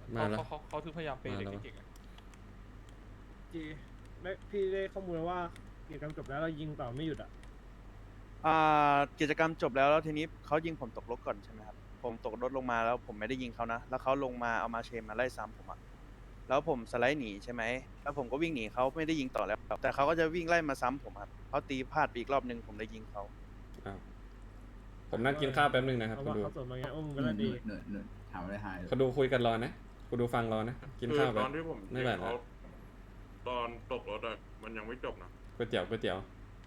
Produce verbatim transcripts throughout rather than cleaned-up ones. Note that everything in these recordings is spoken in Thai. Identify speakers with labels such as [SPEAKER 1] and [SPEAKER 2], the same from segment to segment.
[SPEAKER 1] มา
[SPEAKER 2] เขา
[SPEAKER 1] แล้ว
[SPEAKER 2] เขาเขาเขาถึงพยายามเปย์
[SPEAKER 1] มา
[SPEAKER 2] เด็ก
[SPEAKER 1] แล้ว
[SPEAKER 2] เก่งๆอะ
[SPEAKER 3] จีได้พี่ได้ข้อมูลว่ากิจกรรมจบแล้วเรายิงต่อไม่หยุดอ่ะ
[SPEAKER 4] อ่ากิจกรรมจบแล้วแล้วทีนี้เขายิงผมตกรถก่อนใช่ไหมครับผมตกรถลงมาแล้วผมไม่ได้ยิงเขานะแล้วเขาลงมาเอามาเชนมาไล่ซ้ำผมอะแล้วผมสไลด์หนีใช่ไหมแล้วผมก็วิ่งหนีเขาไม่ได้ยิงต่อแล้วแต่เขาก็จะวิ่งไล่มาซ้ำผมครับเขาตีพลาดไปอีกรอบนึงผมเลยยิงเขา
[SPEAKER 1] อ้าวผมนั่งกินข้าวแป๊บนึงนะครับ
[SPEAKER 3] เพราะ
[SPEAKER 1] คุณ
[SPEAKER 3] ว่า
[SPEAKER 1] ดู
[SPEAKER 3] เขาสวนมาไงโอ้มึง
[SPEAKER 5] ห
[SPEAKER 3] ก็
[SPEAKER 5] นึ่
[SPEAKER 3] ได้
[SPEAKER 5] ง
[SPEAKER 3] ดี
[SPEAKER 5] หนึ่งหนึ่งถามอะไรหายเลย
[SPEAKER 1] คุณดูคุยกันรอนะคุณดูฟังรอนะกิน
[SPEAKER 6] คือ
[SPEAKER 1] ข้าว
[SPEAKER 6] ต
[SPEAKER 1] แป๊
[SPEAKER 6] อบ นที่ผม
[SPEAKER 1] ไม่
[SPEAKER 6] ยิ
[SPEAKER 1] ไหว
[SPEAKER 6] ง
[SPEAKER 1] แล้
[SPEAKER 6] เขา
[SPEAKER 1] ว
[SPEAKER 6] ตอนตกรถอะมันยังไม่จบนะ
[SPEAKER 1] ก๋วยเตี๋ยวก๋วยเตี๋ยว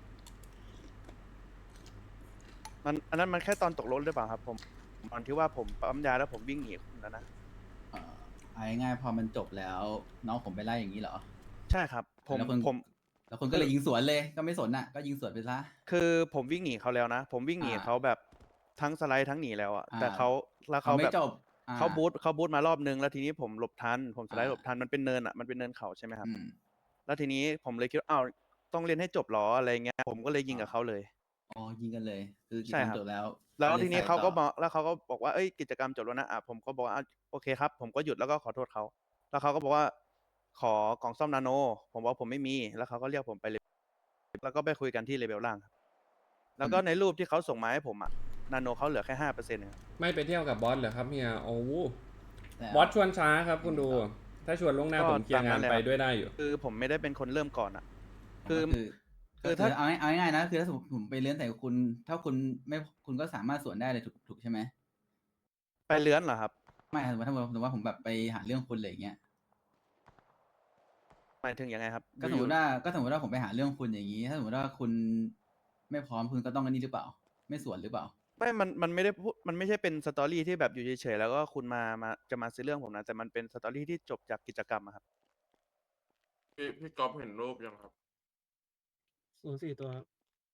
[SPEAKER 4] มันอันนั้นมันแค่ตอนตกรถหรือเปล่าครับผมตอนที่ว่าผมปั๊มยาแล้วผมวิ่งหนีคุณแล้วนะ
[SPEAKER 5] เอ่อเอาง่ายๆพอมันจบแล้ว น้องผมไปไล่อย่างนี้เหรอ
[SPEAKER 4] ใช่ครับผม
[SPEAKER 5] แล้วคุณ
[SPEAKER 4] ผม
[SPEAKER 5] แล้วคุณก็เลยยิงสวนเลยก็ไม่สนอ่ะก็ยิงสวนไปซะ
[SPEAKER 4] คือผมวิ่งหนีเขาแล้วนะ ผมวิ่งหนี
[SPEAKER 5] อ่า
[SPEAKER 4] เขาแบบทั้งสไลด์ทั้งหนีแล้วอะ
[SPEAKER 5] อ่า
[SPEAKER 4] แต่เขาแล้ว
[SPEAKER 5] เขา
[SPEAKER 4] เขา
[SPEAKER 5] ไม่
[SPEAKER 4] แบบ
[SPEAKER 5] จบอ่
[SPEAKER 4] เขาบูทเขาบูทมารอบนึงแล้วทีนี้ผมหลบทันผมสไลด์
[SPEAKER 5] อ่า
[SPEAKER 4] หลบทันมันเป็นเนินอะมันเป็นเนินเขาใช่ไหมครับ
[SPEAKER 5] อืม
[SPEAKER 4] แล้วทีนี้ผมเลยคิดว่าอ้าวต้องเล่นให้จบเหรออะไรเงี้ยผมก็เลยยิงกับเขาเลย
[SPEAKER 5] อ๋อยิงกันเลย คือกิจ
[SPEAKER 4] ใช่
[SPEAKER 5] กรรม
[SPEAKER 4] ครับ
[SPEAKER 5] จบแล้ว
[SPEAKER 4] แล้ว
[SPEAKER 5] ก็ลย
[SPEAKER 4] ทีนี้
[SPEAKER 5] ใส่
[SPEAKER 4] เขาก็
[SPEAKER 5] ต่
[SPEAKER 4] บอกแล้วเขาก็บอกว่าเอ้ยกิจกรรมจบแล้วนะอ่ะผมก็บอกว่าอ่ะโอเคครับ ผมก็หยุดแล้วก็ขอโทษเขาแล้วเขาก็บอกว่าขอกล่องซ่อมนาโน ผมบอกผมไม่มีแล้วเขาก็เรียกผมไปเลยแล้วก็ไปคุยกันที่เลเวลล่างครับแล้วก็ในรูปที่เขาส่งมาให้ผมอะนาโนเขาเหลือแค่ห้าเปอร์เซ็นต์ครับ
[SPEAKER 1] ไม่ไปเที่ยวกับบอสเหรอครับเฮียโอ้โห
[SPEAKER 5] แล้ว
[SPEAKER 1] บอสชวนช้าครับคุณดู ถ้าชวนล่วงหน้า
[SPEAKER 4] ก็
[SPEAKER 1] ผมเคลียร์งาน
[SPEAKER 4] ตามนั้นแหละ
[SPEAKER 1] ไปด้วยได้อยู่
[SPEAKER 4] คือผมไม่ได้เป็นคนเริ่มก่อนอะ คือ
[SPEAKER 5] คือ
[SPEAKER 4] คื
[SPEAKER 5] คือ
[SPEAKER 4] อถ้า
[SPEAKER 5] เอาง่ายเอาง่ายๆนะคือถ้าสมมติผมไปเลื้อนใส่คุณ ถ้าคุณไม่คุณก็สามารถสวนได้เลยถูกถูกใช่ไหม
[SPEAKER 4] ไปเลื้อนเหรอครับ
[SPEAKER 5] ไม่สมมติถ้าสมมติว่าผมแบบไปหาเรื่องคุณอะไรอย่างเงี้ย
[SPEAKER 4] หมายถึงยังไงครับ
[SPEAKER 5] ก็สมมติว่าก็สมมติว่าผมไปหาเรื่องคุณอย่างนี้ ถ้าสมมติว่าคุณไม่พร้อมคุณก็ต้องอันนี้หรือเปล่า ไม่สวนหรือเปล่า
[SPEAKER 4] ไม่ มัน มันไม่ได้พูดมันไม่ใช่เป็นสตอรี่ที่แบบอยู่เฉยๆแล้วก็คุณมา มา จะมาซื้อเรื่องผมนะ แต่มันเป็นสตอรี่ที่จบจากกิจกรรมอะครับ
[SPEAKER 6] พี่พี่ก๊อฟเห็นรูปยังครับ
[SPEAKER 3] ศูนย์สี่ตัวครับ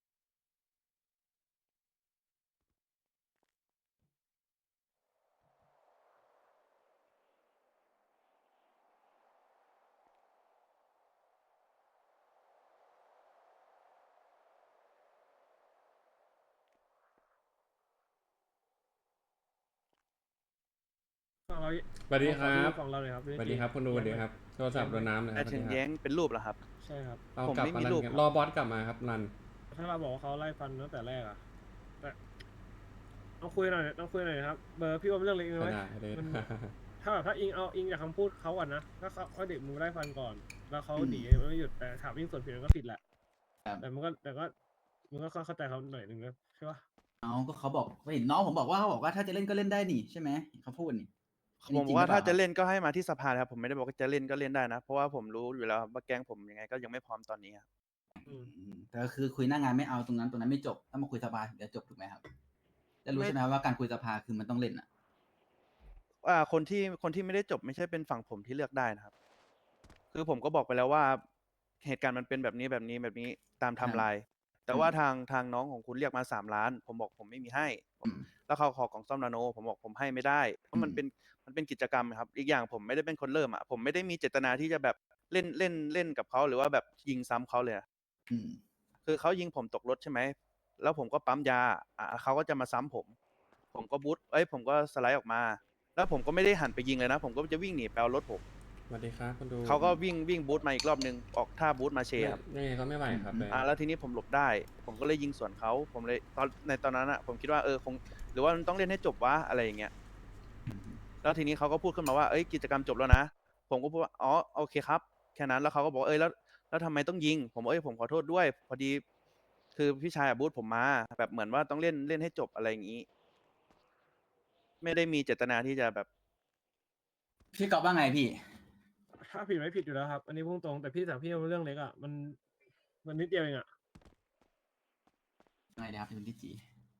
[SPEAKER 3] ฝั่งเรา
[SPEAKER 1] สวัสดีครับ
[SPEAKER 3] ฝั่งเราเลยครับ
[SPEAKER 1] สวัสดีครับคุณดูสวัสดีครับโทรศัพท์โดนน้ำเลยค
[SPEAKER 4] แต่
[SPEAKER 1] รับ
[SPEAKER 4] ถึง
[SPEAKER 1] สวัสดี
[SPEAKER 4] แย้
[SPEAKER 1] ครับ
[SPEAKER 4] งเป็นรูปเหรอครับ
[SPEAKER 3] ใช่ครับ
[SPEAKER 1] เอา
[SPEAKER 4] ผม
[SPEAKER 1] กลับ
[SPEAKER 4] ไม่
[SPEAKER 1] มา
[SPEAKER 4] มี
[SPEAKER 1] รัน
[SPEAKER 4] รูป
[SPEAKER 1] กัน
[SPEAKER 4] ครับ
[SPEAKER 1] รอบอสกลับมาครับรัน
[SPEAKER 3] ถ้าเราบอกว่าเขาไล่ฟันตั้งแต่แรกอะแต่ต้องคุยหน่อยต้องคุยหน่อยนะครับ เบอร์พี่ว่าเรื่องเล็กน้อย
[SPEAKER 1] ได้ได้
[SPEAKER 3] มัน ถ้าแบบถ้าอิงเอาอิงจากคำพูดเขาก่อนนะถ้าเขาเขาเด็กมึงไล่ฟันก่อน แล้วเขา
[SPEAKER 5] อืม
[SPEAKER 3] หนีมันไม่หยุดแต่ถามวิ่งสวนผิดมันก็ผิดแหละ
[SPEAKER 5] ครับ
[SPEAKER 3] แต่มันก็แต่ก็มันก็เข้าใจเขาหน่อยหนึ่งนะใช่ปะ
[SPEAKER 5] เอาก็เขาบอกเห็นน้องผมบอกว่าเขาบอกว่าถ้าจะเล่นก็เล่นได้นี่ใช่ไหมเขาพูดนี่อัน
[SPEAKER 4] ผ
[SPEAKER 5] นี้
[SPEAKER 4] ม
[SPEAKER 5] จริง
[SPEAKER 4] ว่า
[SPEAKER 5] หรือเป
[SPEAKER 4] ถ้า
[SPEAKER 5] ล่า
[SPEAKER 4] จะเล่นก็ให้มาที่สภาครับ ผมไม่ได้บอกว่าจะเล่นก็เล่นได้นะ เพราะว่าผมรู้อยู่แล้วครับว่าแก๊งผมยังไงก็ยังไม่พร้อมตอนนี้ครับ
[SPEAKER 3] อืม
[SPEAKER 5] อืมแต่ก็คือคุยหน้างานไม่เอาตรงนั้นตรงนั้นไม่จบถ้ามาคุยสภาถึงจะจบถูกไหมครับจะรู้
[SPEAKER 4] ไม่
[SPEAKER 5] ใช่ไหมครับว่าการคุยสภาคือมันต้องเล่นอ่ะ
[SPEAKER 4] อ่าคนที่คนที่ไม่ได้จบไม่ใช่เป็นฝั่งผมที่เลือกได้นะครับ คือผมก็บอกไปแล้วว่า เหตุการณ์มันเป็นแบบนี้แบบนี้แบบนี้ตามไทม์ไลน์แต่ว่าทางทางน้องของคุณเรียกมาสามล้าน ผมบอกผมไม่มีให้
[SPEAKER 5] อืม
[SPEAKER 4] แล้วเขาขอกล่องซ่อมนาโน ผมบอกผมให้ไม่ได้เพราะมัน
[SPEAKER 5] อืม
[SPEAKER 4] เป็นมันเป็นกิจกรรมครับ อีกอย่างผมไม่ได้เป็นคนเริ่มอ่ะผมไม่ได้มีเจตนาที่จะแบบเล่นเล่นเล่นกับเขาหรือว่าแบบยิงซ้ำเขาเลยอะ
[SPEAKER 5] อืม
[SPEAKER 4] คือเขายิงผมตกรถใช่ไหม แล้วผมก็ปั๊มยา อ่ะเขาก็จะมาซ้ำผม ผมก็บูทเอ้ย ผมก็สไลด์ออกมา แล้วผมก็ไม่ได้หันไปยิงเลยนะ ผมก็จะวิ่งหนีไปเอารถผม
[SPEAKER 1] สวัสดีครับคุณดู
[SPEAKER 4] เขาก็วิ่งวิ่งบูทมาอีกรอบนึง ออกท่าบูทมาเช
[SPEAKER 1] ไม่
[SPEAKER 4] ครับ
[SPEAKER 1] ยังไงเขาไม่ไหวครับ
[SPEAKER 5] อืม
[SPEAKER 1] เลย
[SPEAKER 4] อ่า แล้วทีนี้ผมหลบได้ ผมก็เลยยิงสวนเขา ผมเลยตอนในตอนนั้นอ่ะ ผมคิดว่าเออคง หรือว่ามันต้องเล่นให้จบวะอะไรอย่างเงี้ย
[SPEAKER 5] อืม
[SPEAKER 4] แล้วทีนี้เขาก็พูดขึ้นมาว่า เอ้ย กิจกรรมจบแล้วนะ ผมก็พูดว่า อ๋อ โอเคครับ แค่นั้น แล้วเขาก็บอกว่าเอ้ย แล้ว แล้วทำไมต้องยิง ผมบอกเอ้ย ผมขอโทษด้วย พอดี คือพี่ชายอะบูทผมมา แบบเหมือนว่าต้องเล่น เล่นให้จบอะไรอย่างงี้ ไม่ได้มีเจตนาที่จะแบบ
[SPEAKER 5] พี่กอบว่าไงพี่
[SPEAKER 3] ถ้าผิดไม่ผิดอยู่แล้วครับ อันนี้พุ่งตรงแต่พี่ถามพี่ว่าเรื่องเล็กอ่ะมันมันนิดเดียวเองอ่ะ
[SPEAKER 5] ไงนะครับพี่ลิจี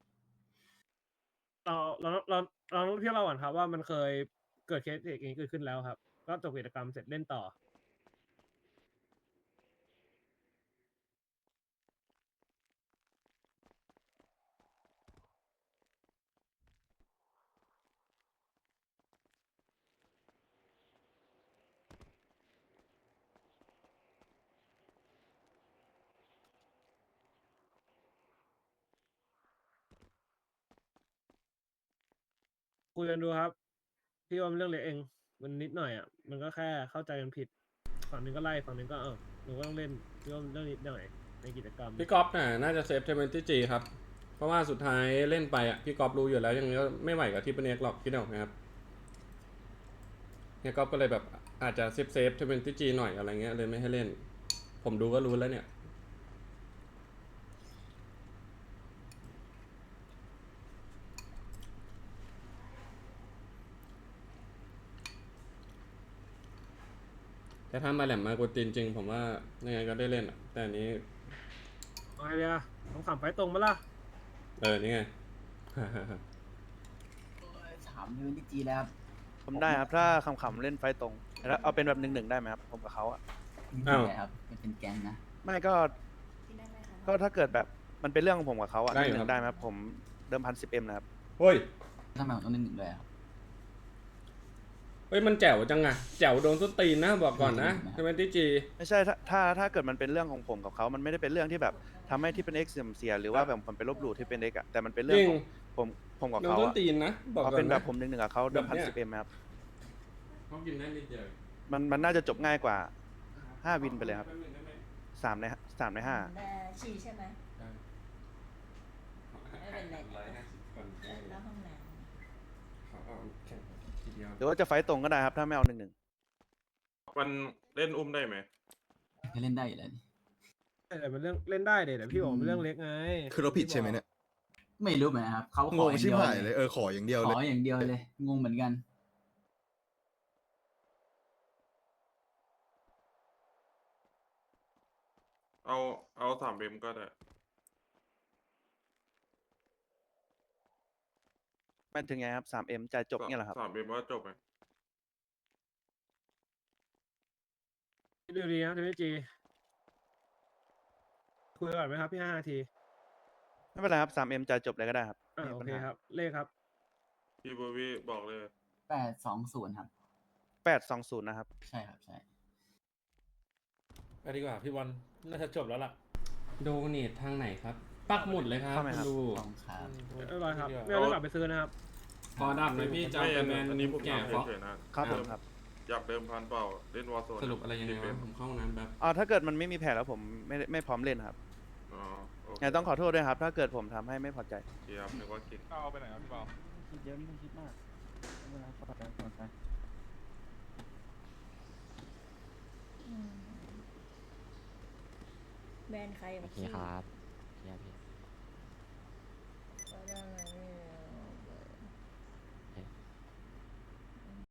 [SPEAKER 3] เราเราเราเราต้องพี่เล่าก่อนครับว่ามันเคยเกิดเคสอย่างนี้เกิดขึ้นแล้วครับ ก็จบกิจกรรมเสร็จเล่นต่อ คุยกันดูครับ พี่ว่ามันเรื่องเล็กเองมันนิดหน่อยอ่ะมันก็แค่เข้าใจกันผิดฝั่งหนึงก็ไล่ฝั่งหนึงก็เออหนูก็ต้องเล่นเรื่องเรื่องนิดหน่อยในกิจกรรม
[SPEAKER 1] พี่ก๊อฟน่ะน่าจะเซฟเทเวนตี้จีครับ เพราะว่าสุดท้ายเล่นไปอ่ะพี่ก๊อฟรู้อยู่แล้วยังไงก็ไม่ไหวกับที่เป็นเอกหรอกคิดออกไหมครับเนี่ยก๊อฟก็เลยแบบอาจจะเซฟเซฟเทเวนตี้จีหน่อยอะไรเงี้ยเลยไม่ให้เล่น ผมดูก็รู้แล้วเนี่ย แต่ถ้ามาแหลมมากดตีนจริง ผมว่ายังไงก็ได้เล่นอะแต่อันนี้
[SPEAKER 3] เอาไงดีอะต้องขำไฟตรงมาล่ะ
[SPEAKER 1] เออ นี่ไง
[SPEAKER 5] ถามเรื่องที่จีแล้วครับ
[SPEAKER 4] ผมได้ครับถ้าขำๆเล่นไฟต์ตรงแล้วเอาเป็นแบบหนึ่งหนึ่งได้ไหมครับผมกับเขาอะ
[SPEAKER 1] อ้าว
[SPEAKER 5] ไม่ได้ครับมันเป็นแก๊งนะ
[SPEAKER 4] ไม่ก็ก็ถ้าเกิดแบบมันเป็นเรื่องของผมกับเขาอะ
[SPEAKER 1] ได้
[SPEAKER 4] ห
[SPEAKER 1] อยู่
[SPEAKER 4] นึ่ง
[SPEAKER 1] ครับ
[SPEAKER 4] ได้ไหมครับผมเดิมพันสิบเอ็มนะครับ
[SPEAKER 1] เฮ้ย
[SPEAKER 5] ทำไมผมต้องเล่นหนึ่งด้วยครับ
[SPEAKER 1] เฮ้ย มันแจ๋วจังอะแจ๋วโดนส้นตีนนะบอกก่อนนะ
[SPEAKER 5] อืม
[SPEAKER 1] เทเวนตี้จี
[SPEAKER 4] ไม่ใช่ถ้าถ้าถ้าเกิดมันเป็นเรื่องของผมกับเขามันไม่ได้เป็นเรื่องที่แบบทำให้ที่เป็นเอ็กเสื่อมเสียหรือว่าแบบผมไปลบหลู่ที่เป็นเอ็กอะแต่มันเป็น
[SPEAKER 1] จ
[SPEAKER 4] เรื่อง
[SPEAKER 1] ริง
[SPEAKER 4] ของผมผมกับ
[SPEAKER 1] โดน
[SPEAKER 4] เขา
[SPEAKER 1] ส้น
[SPEAKER 4] อะ
[SPEAKER 1] ตีนนะ บอก
[SPEAKER 4] เอา
[SPEAKER 1] ก่อ
[SPEAKER 4] เป็น นแบ
[SPEAKER 1] นะ
[SPEAKER 4] บผมหนึ่งหนึ่งกับเขาเดิมพันสิบเอ็มครับ
[SPEAKER 1] เขากินได้นิดเดียว
[SPEAKER 4] มันมันน่าจะจบง่ายกว่าห้าวินไปเลยครับสามในสามในห้า
[SPEAKER 2] แต่ฉี่ใช่ไหม ไม่เป็นไรนะ
[SPEAKER 1] ร้อยห้าสิบคน
[SPEAKER 2] แล้วห้องน้
[SPEAKER 1] เขาเอาแข่งทีเดียว
[SPEAKER 4] หรือว่าจะไฟต์ตรงก็ได้ครับถ้าไม่เอาหนึ่งหนึ่ง
[SPEAKER 6] มันเล่นอุ้มได้ไหม
[SPEAKER 5] จะเล่นได้อยู่แล้วนี่
[SPEAKER 3] แต่มันเรื่องเล่นได้เดี๋ยวพี่บอกมันเรื่องเล็กไง
[SPEAKER 7] คือเราผิดใช่ไหมเนี่ย
[SPEAKER 5] ไม่รู้เหมือนกันครับเขาของ
[SPEAKER 7] ง
[SPEAKER 5] อย่าง
[SPEAKER 7] ชิบ
[SPEAKER 5] เดียว
[SPEAKER 7] หายเลย เออ ขออย่างเดียว
[SPEAKER 5] ข
[SPEAKER 7] เล
[SPEAKER 5] อย อย่างเดียวเลย งงเหมือนกัน
[SPEAKER 6] เอาเอาสามเอ็มก็ได้
[SPEAKER 4] มันถึงไงครับสามเอ็มจ่ายจบเนี่ยเหรอครับ
[SPEAKER 6] สามเอ็มว่าจบไหม
[SPEAKER 3] ดูดีนะทีวีจีคุยก่อนไหมครับพี่ห้านาที
[SPEAKER 4] ไม่เป็นไรครับสามเอ็มจ่ายจบเลยก็ได้ครับ
[SPEAKER 3] อ่า
[SPEAKER 4] ไม่มี
[SPEAKER 3] โอ
[SPEAKER 4] ปัญ
[SPEAKER 3] เค
[SPEAKER 4] หา
[SPEAKER 3] ครับ เลขครับ
[SPEAKER 6] พี่บูวี่บอกเลย
[SPEAKER 5] แปดสองศูนย์ครับ
[SPEAKER 4] แปดสองศูนย์นะครับ
[SPEAKER 5] ใช่ครับใช่
[SPEAKER 8] ไปดีกว่าพี่บอลน่าจะจบแล้วล่ะ
[SPEAKER 1] โดเนททางไหนครับ ปักหมุดเลยครับ
[SPEAKER 4] เข้าไหม
[SPEAKER 1] คุ
[SPEAKER 4] ครั
[SPEAKER 1] ณ
[SPEAKER 4] บ
[SPEAKER 1] ดู
[SPEAKER 5] ลองครับ
[SPEAKER 3] เรียบร้อยครับ
[SPEAKER 8] ดีกว่า
[SPEAKER 3] ไม่เอาเรื่องกลับไปซื้อนะครับ
[SPEAKER 1] พอดับเลยพี่จะ
[SPEAKER 6] ไม่
[SPEAKER 1] เอา
[SPEAKER 6] อั
[SPEAKER 1] ไป
[SPEAKER 6] น
[SPEAKER 1] แมน
[SPEAKER 6] อันนี้ผม
[SPEAKER 1] แก่
[SPEAKER 6] ถาม
[SPEAKER 1] ฟอก
[SPEAKER 6] เฉยๆนะ
[SPEAKER 4] ครับ
[SPEAKER 6] เดิ
[SPEAKER 4] ผม มครับ
[SPEAKER 6] อยากเดิมพันเปล่า เล่นวอร์โซน
[SPEAKER 1] สรุปอะไรยังไง
[SPEAKER 6] สิบเอ็
[SPEAKER 1] วะ
[SPEAKER 6] ม
[SPEAKER 1] ผมเข้าห้องน้ำแบบ
[SPEAKER 4] อ๋อถ้าเกิดมันไม่มีแผลแล้วผมไม่ได้ไม่พร้อมเล่นครับ
[SPEAKER 6] อ๋อโอเค
[SPEAKER 4] ไงต้องขอโทษด้วยครับ ถ้าเกิดผมทำให้ไม่พอใจ
[SPEAKER 6] เดี๋ยวนึกว่ากิน
[SPEAKER 8] เอาไปไหนครับพี่บอล
[SPEAKER 5] คิดเยอะไม่ต้องคิดมากไม่เป็นไรขอตัดก่อนไป
[SPEAKER 2] ำอืมแบรนด์ใคร
[SPEAKER 9] โอ
[SPEAKER 2] มา
[SPEAKER 9] เค
[SPEAKER 2] ขี้
[SPEAKER 9] ครับ